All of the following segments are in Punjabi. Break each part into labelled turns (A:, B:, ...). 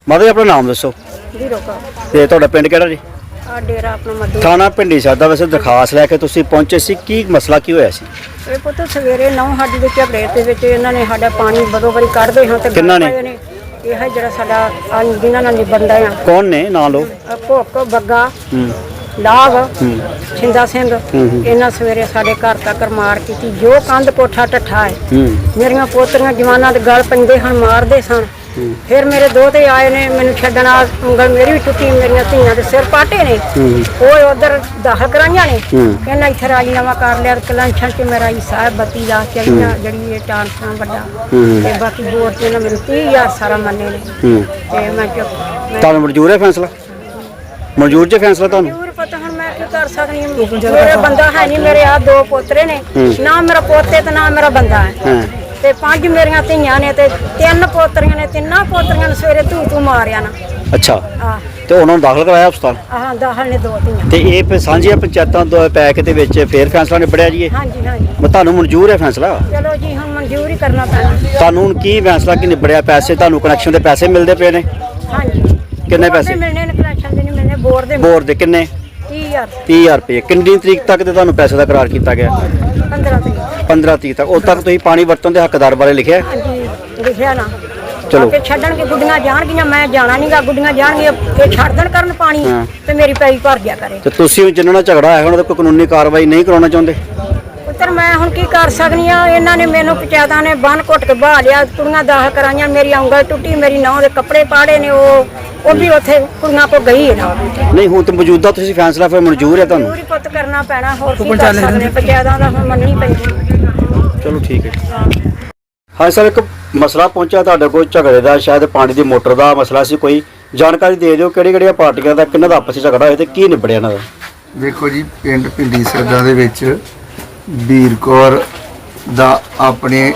A: ਮਾਤਾ ਜੀ ਆਪਣਾ ਨਾਮ ਦੱਸੋ
B: ਵੀਰੋ ਕਾ
A: ਤੇ ਤੁਹਾਡਾ ਪਿੰਡ ਕਿਹੜਾ ਜੀ?
B: ਆ ਡੇਰਾ ਆਪਣਾ ਮੱਦੂ
A: ਥਾਣਾ ਪਿੰਡੀ ਸਾਹਿਬ ਦਾ। ਵੈਸੇ ਦਰਖਾਸਤ ਲੈ ਕੇ ਤੁਸੀਂ ਪਹੁੰਚੇ ਸੀ, ਕੀ ਮਸਲਾ ਕੀ ਹੋਇਆ ਸੀ?
B: ਇਹ ਪੁੱਤ ਸਵੇਰੇ 9 ਸਾਡੀ ਦੇ ਝਗੜੇ ਦੇ ਵਿੱਚ ਇਹਨਾਂ ਨੇ ਸਾਡਾ ਪਾਣੀ ਬਦੋ ਬਰੀ ਕੱਢਦੇ ਹਾਂ ਤੇ
A: ਕਿਹਨਾਂ ਨੇ?
B: ਇਹ ਹੈ ਜਿਹੜਾ ਸਾਡਾ ਜਿਨ੍ਹਾਂ ਨਾਲ ਨਿਬੰਦਾ ਆ
A: ਕੌਣ ਨੇ ਨਾਂ ਲਓ?
B: ਭੁੱਕ ਬੱਗਾ
A: ਹੂੰ
B: ਲਾਗ ਛਿੰਦਾ ਸਿੰਘ ਇਹਨਾਂ ਸਵੇਰੇ ਸਾਡੇ ਘਰ ਤੱਕ ਮਾਰ ਕੀਤੀ। ਜੋ ਕੰਧ ਕੋਠਾ ਟੱਠਾ ਹੈ
A: ਹੂੰ
B: ਮੇਰੀਆਂ ਪੋਤਰੀਆਂ ਜਵਾਨਾਂ ਦੇ ਗਲ ਪੈਂਦੇ ਹਨ, ਮਾਰਦੇ ਸਨ। ਫਿਰ ਮੇਰੇ ਦੋਤੇ ਆਏ ਨੇ ਮੈਨੂੰ ਛੱਡਣ ਆ, ਉਂਗਲ ਮੇਰੀ ਵੀ ਟੁੱਟੀ, ਮੇਰੀਆਂ ਧੀਆਂ ਦੇ ਸਿਰ ਪਾਟੇ ਨੇ। ਉਹ ਉਧਰ ਦਾਖਲ ਕਰਾਈਆਂ ਨੇ। ਕਹਿੰਦਾ ਇੱਥੇ ਰਾਜੀਨਾਮਾ ਕਰ ਲਿਆ। ਕਲੰਛਣ ਚ ਮੇਰਾ ਸਾਹਿਬ ਬੱਤੀ ਦਾ ਚੜੀਆਂ ਜਿਹੜੀ ਇਹ ਟਾਂਸਾ ਵੱਡਾ ਤੇ ਬਾਕੀ ਬੋਰ ਤੇ ਨਾ ਮੈਨੂੰ 30,000 ਸਾਰਾ ਮੰਨੇ ਨੇ। ਤੇ ਮੈਂ ਚੁੱਪ
A: ਤੁਹਾਨੂੰ ਮਨਜ਼ੂਰ ਹੈ ਫੈਸਲਾ? ਮਨਜ਼ੂਰ ਜੇ ਫੈਸਲਾ ਤੁਹਾਨੂੰ?
B: ਮਨਜ਼ੂਰ ਪਤਾ ਹੁਣ ਮੈਂ ਕੀ ਕਰ ਸਕਦੀ ਹਾਂ। ਮੇਰੇ ਬੰਦਾ ਹੈ ਨਹੀਂ, ਮੇਰੇ ਆ 2 ਪੋਤਰੇ ਨੇ, ਨਾ ਮੇਰਾ ਪੋਤੇ ਤੇ ਨਾ ਮੇਰਾ ਬੰਦਾ ਹੈ ਤੇ 5 ਮੇਰੀਆਂ ਧੀਆਂ ਨੇ ਤੇ 3 ਪੋਤਰੀਆਂ ਨੇ। ਤਿੰਨਾਂ ਪੋਤਰੀਆਂ ਨੂੰ ਸਵੇਰੇ ਤੂੰ ਮਾਰਿਆ ਨਾ।
A: ਅੱਛਾ,
B: ਆ
A: ਤੇ ਉਹਨਾਂ ਨੂੰ ਦਾਖਲ ਕਰਾਇਆ ਹਸਪਤਾਲ?
B: ਆਹ ਦਾਖਲ ਨੇ 2 ਧੀਆਂ।
A: ਤੇ ਇਹ ਫਿਰ ਸਾਂਝੀਆਂ ਪੰਚਾਇਤਾਂ ਤੋਂ ਪੈਕ ਦੇ ਵਿੱਚ ਫੇਰ ਫੈਸਲਾ ਨਿਬੜਿਆ ਜੀ ਇਹ?
B: ਹਾਂਜੀ ਹਾਂਜੀ
A: ਤੁਹਾਨੂੰ ਮਨਜ਼ੂਰ ਹੈ ਫੈਸਲਾ?
B: ਚਲੋ ਜੀ ਹੁਣ ਮਨਜ਼ੂਰ ਹੀ ਕਰਨਾ ਪੈਣਾ।
A: ਤੁਹਾਨੂੰ ਹੁਣ ਕੀ ਫੈਸਲਾ ਕੀ ਨਿਬੜਿਆ? ਪੈਸੇ ਤੁਹਾਨੂੰ ਕਨੈਕਸ਼ਨ ਦੇ ਪੈਸੇ ਮਿਲਦੇ ਪਏ ਨੇ?
B: ਹਾਂਜੀ
A: ਕਿੰਨੇ
B: ਬੋਰ ਦੇ
A: ਪੈਸੇ?
B: ਮਿਲਣੇ ਨੇ, ਕਨੈਕਸ਼ਨ ਦੇ ਨਹੀਂ ਮਿਲਣੇ। ਬੋਰ ਦੇ
A: ਬੋਰ ਦੇ ਕਿੰਨੇ?
B: 30,000
A: 30,000 ਰੁਪਏ। ਕਿੰਨੀ ਤਰੀਕ ਤੱਕ ਤੇ ਤੁਹਾਨੂੰ ਪੈਸੇ ਦਾ ਕਰਾਰ ਕੀਤਾ ਗਿਆ?
B: 15 ਤਰੀਕ।
A: 15 ਤਰੀਕ ਤੱਕ। ਉਦੋਂ ਤੱਕ ਤੁਸੀਂ ਪਾਣੀ ਵਰਤਣ ਦੇ ਹੱਕਦਾਰ ਬਾਰੇ ਲਿਖਿਆ?
B: ਹਾਂਜੀ ਲਿਖਿਆ ਨਾ।
A: ਚਲੋ।
B: ਕਿ ਛੱਡਣਗੇ, ਗੁੱਡੀਆਂ ਜਾਣਗੀਆਂ, ਮੈਂ ਜਾਣਾ ਨਹੀਂਗਾ। ਗੁੱਡੀਆਂ ਜਾਣਗੀਆਂ ਇਹ ਛੱਡ ਦੇਣ ਕਰਨ ਪਾਣੀ ਤੇ ਮੇਰੀ ਪੈਈ ਭਰ ਗਿਆ ਕਰੇ।
A: ਤੇ ਤੁਸੀਂ ਜਿਨ੍ਹਾਂ ਨਾਲ ਝਗੜਾ ਹੋਇਆ ਉਹਨਾਂ ਦਾ ਕੋਈ ਕਾਨੂੰਨੀ ਕਾਰਵਾਈ ਨਹੀਂ ਕਰਾਉਣਾ ਚਾਹੁੰਦੇ?
B: ਪੁੱਤਰ ਮੈਂ ਹੁਣ ਕੀ ਕਰ ਸਕਦੀ ਆ? ਇਹਨਾਂ ਨੇ ਮੈਨੂੰ ਪੰਚਾਇਤਾਂ ਨੇ ਬੰਨ ਘੁੱਟ ਕੇ ਬਾਹ ਲਿਆ। ਕੁੜੀਆਂ ਦਾਖਲ ਕਰਾਈਆਂ, ਮੇਰੀ ਉਂਗਲ ਟੁੱਟੀ, ਮੇਰੀ ਨਹੁੰ ਦੇ ਕੱਪੜੇ ਪਾੜੇ ਨੇ। ਉਹ ਵੀ ਉੱਥੇ ਕੁੜੀਆਂ ਕੋ ਗਈ ਹੈ ਨਾ।
A: ਨਹੀਂ ਹੁਣ ਤਾਂ ਮੌਜੂਦਾ ਤੁਸੀਂ ਫੈਸਲਾ ਫਿਰ ਮਨਜ਼ੂਰ ਹੈ ਤੁਹਾਨੂੰ?
B: ਪੂਰੀ ਪੁੱਤ ਕਰਨਾ ਪੈਣਾ, ਹੋਰ ਕੀ ਕਰ ਸਕਦੇ? ਪੰਚਾਇਤਾਂ ਦਾ ਹੁਣ ਮੰਨਣੀ ਪੈਂਦੀ।
A: ਚਲੋ ਠੀਕ ਹੈ। ਹਾਂ ਸਰ, ਇੱਕ ਮਸਲਾ ਪਹੁੰਚਿਆ ਤੁਹਾਡੇ ਕੋਲ ਝਗੜੇ ਦਾ, ਸ਼ਾਇਦ ਪਾਣੀ ਦੀ ਮੋਟਰ ਦਾ ਮਸਲਾ ਸੀ। ਕੋਈ ਜਾਣਕਾਰੀ ਦੇ ਦਿਓ ਕਿਹੜੀਆਂ ਪਾਰਟੀਆਂ ਦਾ ਕਿਹਨਾਂ ਦਾ ਆਪਸ ਵਿੱਚ ਝਗੜਾ ਹੋਇਆ ਤੇ ਕੀ ਨਿਬੜਿਆ ਇਹਨਾਂ ਦਾ?
C: ਦੇਖੋ ਜੀ, ਪਿੰਡ ਪਿੰਡੀ ਸਰਦਾ ਦੇ ਵਿੱਚ ਵੀਰ ਕੌਰ ਦਾ ਆਪਣੇ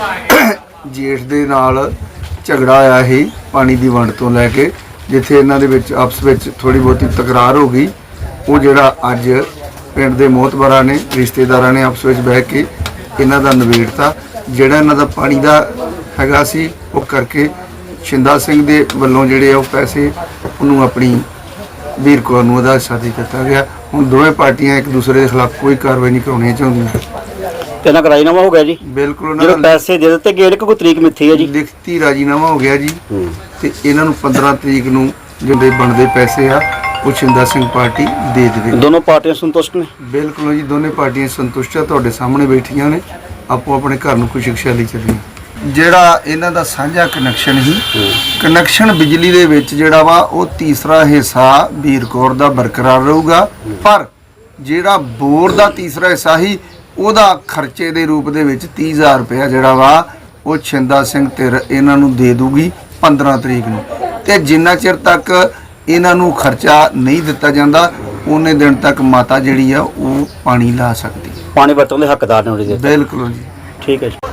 C: ਜੇਠ ਦੇ ਨਾਲ ਝਗੜਾ ਹੋਇਆ ਸੀ ਪਾਣੀ ਦੀ ਵੰਡ ਤੋਂ ਲੈ ਕੇ, ਜਿੱਥੇ ਇਹਨਾਂ ਦੇ ਵਿੱਚ ਆਪਸ ਵਿੱਚ ਥੋੜੀ ਬਹੁਤੀ ਤਕਰਾਰ ਹੋ ਗਈ। ਉਹ ਜਿਹੜਾ ਅੱਜ ਪਿੰਡ ਦੇ ਮੋਹਤਬਰਾਂ ਨੇ, ਰਿਸ਼ਤੇਦਾਰਾਂ ਨੇ ਆਪਸ ਵਿੱਚ ਬਹਿ ਕੇ ਇਹਨਾਂ ਦਾ ਨਿਬੇੜਤਾ। ਜਿਹੜਾ ਇਹਨਾਂ ਦਾ ਪਾਣੀ ਦਾ ਹੈਗਾ ਸੀ ਉਹ ਕਰਕੇ ਛਿੰਦਾ ਸਿੰਘ ਦੇ ਵੱਲੋਂ ਜਿਹੜੇ ਉਹ ਪੈਸੇ ਉਹਨੂੰ ਆਪਣੀ ਵੀਰ ਕੌਰ ਨੂੰ ਉਹਦਾ ਹਿੱਸਾ ਦੇ ਦਿੱਤਾ ਗਿਆ। ਹੁਣ ਦੋਵੇਂ ਪਾਰਟੀਆਂ ਇੱਕ ਦੂਸਰੇ ਦੇ ਖਿਲਾਫ ਕੋਈ ਕਾਰਵਾਈ ਨਹੀਂ ਕਰਾਉਣੀ ਚਾਹੁੰਦੀਆਂ।
A: ਤੇ ਨਾ ਰਾਜੀਨਾਮਾ ਹੋ ਗਿਆ ਜੀ?
C: ਬਿਲਕੁਲ ਉਹਨਾਂ
A: ਜਿਹੜੇ
C: ਦਾ
A: ਪੈਸੇ ਦੇ ਦਿੱਤੇ ਗਏ ਨੇ, ਕੋਈ ਤਰੀਕ ਮਿੱਥੀ ਹੈ ਜੀ?
C: ਲਿਖਤੀ ਰਾਜੀਨਾਮਾ ਹੋ ਗਿਆ ਜੀ। ਤੇ ਇਹਨਾਂ ਨੂੰ 15 ਤਰੀਕ ਨੂੰ ਜਿਹੜੇ ਬਣਦੇ ਪੈਸੇ ਆ ਉਹ ਛਿੰਦਾ ਸਿੰਘ ਪਾਰਟੀ ਦੇ ਦੇਵੇ।
A: ਦੋਨੋਂ ਪਾਰਟੀਆਂ ਸੰਤੁਸ਼ਟ ਨੇ?
C: ਬਿਲਕੁਲ ਜੀ, ਦੋਨੇ ਪਾਰਟੀਆਂ ਸੰਤੁਸ਼ਟ ਆ। ਤੁਹਾਡੇ ਸਾਹਮਣੇ ਬੈਠੀਆਂ ਨੇ, ਆਪੋ ਆਪਣੇ ਘਰ ਨੂੰ ਖੁਸ਼ੀ-ਖੁਸ਼ਹਾਲੀ ਚੱਲੀਆਂ। ਜਿਹੜਾ ਇਹਨਾਂ ਦਾ ਸਾਂਝਾ ਕਨੈਕਸ਼ਨ ਸੀ, ਕਨੈਕਸ਼ਨ ਬਿਜਲੀ ਦੇ ਵਿੱਚ ਜਿਹੜਾ ਵਾ ਉਹ ਤੀਸਰਾ ਹਿੱਸਾ ਵੀਰ ਕੌਰ ਦਾ ਬਰਕਰਾਰ ਰਹੂਗਾ, ਪਰ ਜਿਹੜਾ ਬੋਰ ਦਾ ਤੀਸਰਾ ਹਿੱਸਾ ਸੀ ਉਹਦਾ ਖਰਚੇ ਦੇ ਰੂਪ ਦੇ ਵਿੱਚ 30,000 ਰੁਪਇਆ ਜਿਹੜਾ ਵਾ ਉਹ ਛਿੰਦਾ ਸਿੰਘ ਧਿਰ ਇਹਨਾਂ ਨੂੰ ਦੇ ਦੂਗੀ 15 ਤਰੀਕ ਨੂੰ। ਤੇ ਜਿੰਨਾ ਚਿਰ ਤੱਕ ਇਹਨਾਂ ਨੂੰ ਖਰਚਾ ਨਹੀਂ ਦਿੱਤਾ ਜਾਂਦਾ ਉਹਨੇ ਦਿਨ ਤੱਕ ਮਾਤਾ ਜਿਹੜੀ ਆ ਉਹ ਪਾਣੀ ਲਾ ਸਕਦੀ।
A: ਪਾਣੀ ਵਰਤਣ ਦੇ ਹੱਕਦਾਰ ਨੇ ਉਹਦੇ?
C: ਬਿਲਕੁਲ ਜੀ।
A: ਠੀਕ ਹੈ ਜੀ।